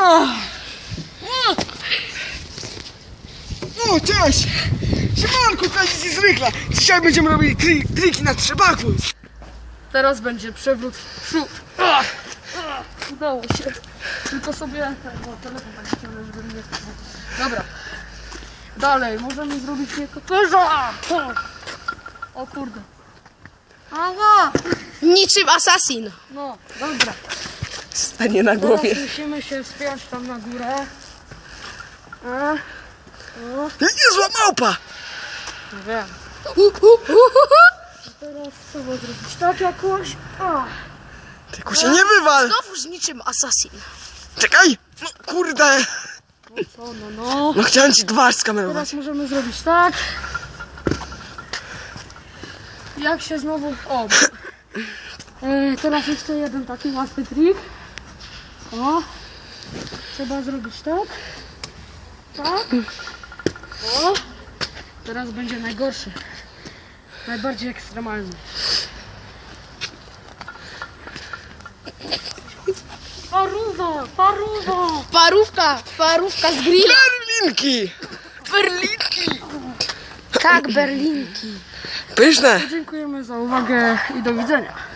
O, cześć! Siemanku, cześć i zwykle! Dzisiaj będziemy robili triki na trzepaku. Teraz będzie przewrót w przód. Udało się. Tylko sobie telefon tak ściągnę, żeby mnie... Dobra. Dalej, możemy zrobić nietoperza! O kurde. Ała! Niczym asasin. No, dobra. Stanie na głowie. Teraz musimy się wspiąć tam na górę. Niezła małpa! Nie wiem. Teraz trzeba zrobić tak jakoś. Tylko się nie wywal! Znowuż niczym asasin. Czekaj! No kurde! No co, no. No chciałem ci twarz skamerować. Teraz możemy zrobić tak. Jak się znowu... O! Teraz jeszcze jeden taki łatwy trik. O! Trzeba zrobić tak. Tak. O! Teraz będzie najgorszy. Najbardziej ekstremalny. Paruwa! Paruwa! Parówka z grilla. Berlinki! Berlinki! Tak, berlinki. Pyszne! Dziękujemy za uwagę i do widzenia.